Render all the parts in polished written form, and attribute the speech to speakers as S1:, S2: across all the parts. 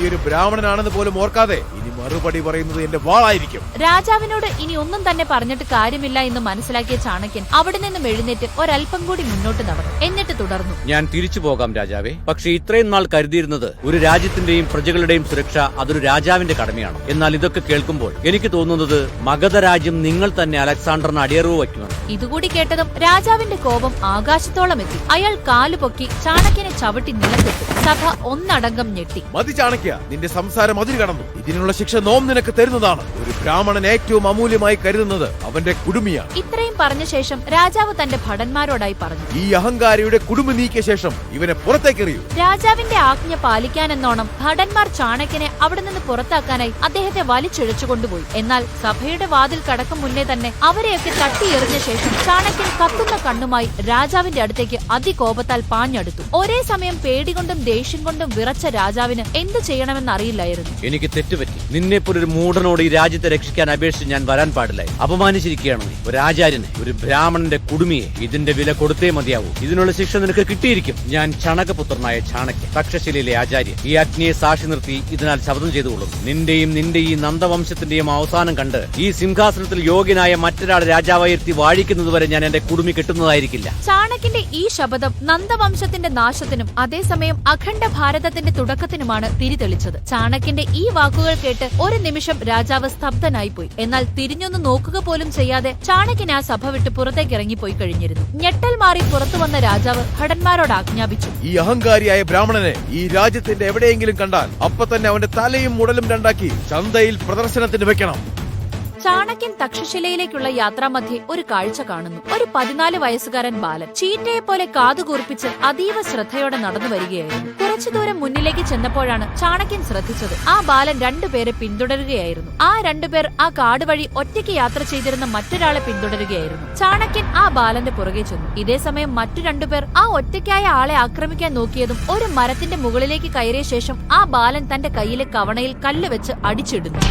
S1: ഒരു ബ്രാഹ്മണനാണെന്ന് പോലും ഓർക്കാതെ ഇനി മറുപടി പറയുന്നത് എന്റെ വാളായിരിക്കും.
S2: രാജാവിനോട് ഇനി ഒന്നും തന്നെ പറഞ്ഞിട്ട് കാര്യമില്ല എന്ന് മനസ്സിലാക്കിയ ചാണക്യൻ അവിടെ നിന്നും എഴുന്നേറ്റ് ഒരൽപ്പം കൂടി മുന്നോട്ട് നടന്നു. എന്നിട്ട് തുടർന്നു.
S3: ഞാൻ തിരിച്ചു പോകാം രാജാവേ. പക്ഷെ ഇത്രയും നാൾ കരുതിയിരുന്നത് ഒരു രാജ്യത്തിന്റെയും പ്രജകളുടെയും സുരക്ഷ അതൊരു രാജാവിന്റെ കടമയാണ്. എന്നാൽ ഇതൊക്കെ കേൾക്കുമ്പോൾ എനിക്ക് തോന്നുന്നത് മഗധ രാജ്യം നിങ്ങൾ തന്നെ അലക്സാണ്ടറിന് അടിയറവ് വയ്ക്കുമെന്ന്.
S2: ഇതുകൂടി കേട്ടതും രാജാവിന്റെ കോപം ആകാശത്തോളം എത്തി. അയാൾ കാലുപൊക്കി ചാണക്യനെ ചവിട്ടി നിലത്തിട്ടു. സഭ ഒന്നടങ്കം ഞെട്ടി.
S1: മതി ചാണക്യ, നിന്റെ സംസാരം അതിര് കടന്നു. ഇതിനുള്ള ശിക്ഷ നോം നിനക്ക് തരുന്നതാണ്. ഒരു ബ്രാഹ്മണൻ ഏറ്റവും അമൂല്യമായി കരുതുന്നത് അവന്റെ കുടുമിയാണ്.
S2: ഇത്രയും പറഞ്ഞ ശേഷം രാജാവ് തന്റെ ഭടന്മാരോടായി പറഞ്ഞു.
S1: ഈ അഹങ്കാരിയുടെ കുടുമി നീക്കിയ ശേഷം ഇവനെ പുറത്തേക്കെറിയൂ.
S2: രാജാവിന്റെ ആജ്ഞ പാലിക്കാനെന്നോണം ഭടന്മാർ ചാണക്യനെ അവിടെ നിന്ന് പുറത്താക്കാനായി അദ്ദേഹത്തെ വലിച്ചിഴച്ചു കൊണ്ടുപോയി. എന്നാൽ സഭയുടെ വാതിൽ കടക്കും മുന്നേ തന്നെ അവരെയൊക്കെ തട്ടിയെറിഞ്ഞ ശേഷം ചാണക്യൻ കത്തുന്ന കണ്ണുമായി രാജാവിന്റെ അടുത്തേക്ക് അതികോപത്താൽ പാഞ്ഞടുത്തു. ഒരേ സമയം പേടികൊണ്ടും ദേഷ്യം കൊണ്ടും വിറച്ച രാജാവിന് എന്ത് ചെയ്യണമെന്നറിയില്ലായിരുന്നു.
S3: എനിക്ക് തെറ്റുപറ്റി. നിന്നെപ്പോലൊരു മൂഢനോട് ഈ രാജ്യത്തെ രക്ഷിക്കാൻ അപേക്ഷിച്ച് ഞാൻ വരാൻ പാടില്ലായി. അപമാനിച്ചിരിക്കുകയാണ് നീ. ഒരു ആചാര്യനെ, ഒരു ബ്രാഹ്മണന്റെ കുടുമിയെ. ഇതിന്റെ വില കൊടുത്തേ മതിയാവൂ. ഇതിനുള്ള ശിക്ഷ നിനക്ക് കിട്ടിയിരിക്കും. ഞാൻ ചണകപുത്രനായ ചാണക്യൻ, തക്ഷശിലയിലെ ആചാര്യൻ. ഈ അഗ്നിയെ സാക്ഷി നിർത്തി ഇതിനാൽ ശപഥം ചെയ്തുകൊള്ളുന്നു. നിന്റെ ഈ നന്ദവംശത്തിന്റെയും അവസാനം കണ്ട് ഈ സിംഹാസനത്തിൽ യോഗ്യനായ മറ്റൊരാൾ രാജാവായി എത്തി വാഴിക്കുന്നതുവരെ ഞാൻ എന്റെ കുടുമി കിട്ടുന്നതായിരിക്കില്ല.
S2: ചാണക്യന്റെ ഈ ശപഥം നന്ദവംശത്തിന്റെ നാശത്തിനും അതേസമയം അഖണ്ഡ ഭാരതത്തിന്റെ തുടക്കത്തിനുമാണ് തിരിതെളിച്ചത്. ചാണക്യന്റെ ഈ വാക്കുകൾ കേട്ട് ഒരു നിമിഷം രാജാവ് സ്തബ്ധനായിപ്പോയി. എന്നാൽ തിരിഞ്ഞൊന്ന് നോക്കുക പോലും ചെയ്യാതെ ചാണക്യൻ ആ സഭ വിട്ട് പുറത്തേക്ക് ഇറങ്ങിപ്പോയി കഴിഞ്ഞിരുന്നു. ഞെട്ടൽ മാറി പുറത്തു വന്ന രാജാവ് ഭടന്മാരോട് ആജ്ഞാപിച്ചു.
S1: ഈ അഹങ്കാരിയായ ബ്രാഹ്മണനെ ഈ രാജ്യത്തിന്റെ എവിടെയെങ്കിലും കണ്ടാൽ അപ്പൊ തന്നെ അവന്റെ തലയും മുടലും രണ്ടാക്കി ചന്തയിൽ പ്രദർശനത്തിന് വെക്കണം.
S2: ചാണക്യൻ തക്ഷശിലയിലേക്കുള്ള യാത്രാമധ്യേ ഒരു കാഴ്ച കാണുന്നു. ഒരു 14 വയസ്സുകാരൻ ബാലൻ ചീറ്റയെ പോലെ കാതുകൂർപ്പിച്ച് അതീവ ശ്രദ്ധയോടെ നടന്നു വരികയായിരുന്നു. കുറച്ചു ദൂരം മുന്നിലേക്ക് ചെന്നപ്പോഴാണ് ചാണക്യൻ ശ്രദ്ധിച്ചത്. ആ ബാലൻ 2 പേരെ പിന്തുടരുകയായിരുന്നു. ആ 2 പേർ ആ കാട് വഴി ഒറ്റയ്ക്ക് യാത്ര ചെയ്തിരുന്ന മറ്റൊരാളെ പിന്തുടരുകയായിരുന്നു. ചാണക്യൻ ആ ബാലന്റെ പുറകെ ചെന്നു. ഇതേസമയം മറ്റു 2 പേർ ആ ഒറ്റയ്ക്കായ ആളെ ആക്രമിക്കാൻ നോക്കിയതും ഒരു മരത്തിന്റെ മുകളിലേക്ക് കയറിയ ശേഷം ആ ബാലൻ തന്റെ കയ്യിലെ കവണയിൽ കല്ല് വെച്ച് അടിച്ചിടുന്നു.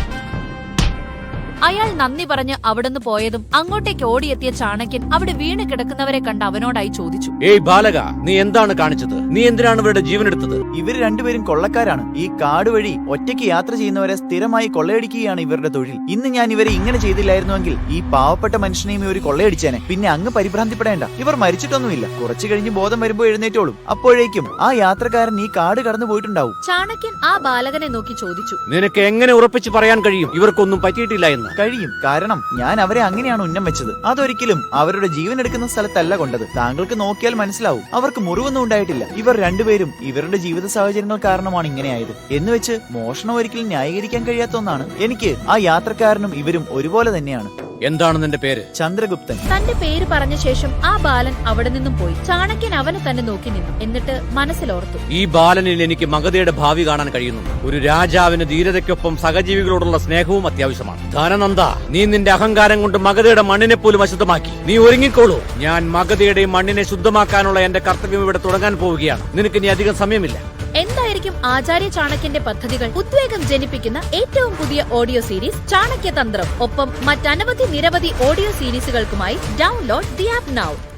S2: അയാൾ നന്ദി പറഞ്ഞ് അവിടുന്ന് പോയതും അങ്ങോട്ടേക്ക് ഓടിയെത്തിയ ചാണക്യൻ അവിടെ വീണ് കിടക്കുന്നവരെ കണ്ട് അവനോടായി ചോദിച്ചു.
S3: ഏയ് ബാലക, നീ എന്താണ് കാണിച്ചത്? നീ എന്തിനാണ് ഇവരുടെ ജീവൻ എടുത്തത്?
S4: ഇവർ 2 പേരും കൊള്ളക്കാരാണ്. ഈ കാട് വഴി ഒറ്റയ്ക്ക് യാത്ര ചെയ്യുന്നവരെ സ്ഥിരമായി കൊള്ളയടിക്കുകയാണ് ഇവരുടെ തൊഴിൽ. ഇന്ന് ഞാൻ ഇവരെ ഇങ്ങനെ ചെയ്തില്ലായിരുന്നുവെങ്കിൽ ഈ പാവപ്പെട്ട മനുഷ്യനെയും ഇവർ കൊള്ളയടിച്ചേനെ. പിന്നെ അങ്ങ് പരിഭ്രാന്തിപ്പെടേണ്ട. ഇവർ മരിച്ചിട്ടൊന്നുമില്ല. കുറച്ചു കഴിഞ്ഞ് ബോധം വരുമ്പോ എഴുന്നേറ്റോളും. അപ്പോഴേക്കും ആ യാത്രക്കാരൻ ഈ കാട് കടന്നു പോയിട്ടുണ്ടാവും.
S2: ചാണക്യൻ ആ ബാലകനെ നോക്കി ചോദിച്ചു.
S3: നിനക്ക് എങ്ങനെ ഉറപ്പിച്ച് പറയാൻ കഴിയും ഇവർക്കൊന്നും പറ്റിയിട്ടില്ല എന്ന്?
S4: കഴിയും. കാരണം ഞാൻ അവരെ അങ്ങനെയാണ് ഉന്നം വെച്ചത്. അതൊരിക്കലും അവരുടെ ജീവൻ എടുക്കുന്ന സ്ഥലത്തല്ല കൊണ്ടത്. താങ്കൾക്ക് നോക്കിയാൽ മനസ്സിലാവും. അവർക്ക് മുറിവൊന്നും ഉണ്ടായിട്ടില്ല. ഇവർ 2 പേരും ഇവരുടെ ജീവിത സാഹചര്യങ്ങൾ കാരണമാണ് ഇങ്ങനെയായത്. എന്ന് വെച്ച് മോഷണം ഒരിക്കലും ന്യായീകരിക്കാൻ കഴിയാത്ത ഒന്നാണ്. എനിക്ക് ആ യാത്രക്കാരനും ഇവരും ഒരുപോലെ തന്നെയാണ്.
S3: എന്താണ് നിന്റെ പേര്?
S4: ചന്ദ്രഗുപ്തൻ.
S2: തന്റെ പേര് പറഞ്ഞ ശേഷം ആ ബാലൻ അവിടെ നിന്നും പോയി. ചാണക്യൻ അവനെ തന്നെ നോക്കി നിന്നു. എന്നിട്ട് മനസ്സിലോർത്തു,
S3: ഈ ബാലനിൽ എനിക്ക് മഗധയുടെ ഭാവി കാണാൻ കഴിയുന്നു. ഒരു രാജാവിന് ധീരതയ്ക്കൊപ്പം സഹജീവികളോടുള്ള സ്നേഹവും അത്യാവശ്യമാണ്. ധനനന്ദ, നീ നിന്റെ അഹങ്കാരം കൊണ്ട് മഗധയുടെ മണ്ണിനെ പോലും അശുദ്ധമാക്കി. നീ ഒരുങ്ങിക്കോളൂ. ഞാൻ മഗധയുടെ മണ്ണിനെ ശുദ്ധമാക്കാനുള്ള എന്റെ കർത്തവ്യം ഇവിടെ തുടങ്ങാൻ പോവുകയാണ്. നിനക്ക് ഇനി അധികം സമയമില്ല.
S2: എന്തായിരിക്കും ആചാര്യ ചാണക്യന്റെ പദ്ധതികൾ? ഉദ്വേഗം ജനിപ്പിക്കുന്ന ഏറ്റവും പുതിയ ഓഡിയോ സീരീസ് ചാണക്യതന്ത്രം. ഒപ്പം മറ്റനവധി നിരവധി ഓഡിയോ സീരീസുകൾക്കുമായി ഡൗൺലോഡ് ദി ആപ്പ് നൗ.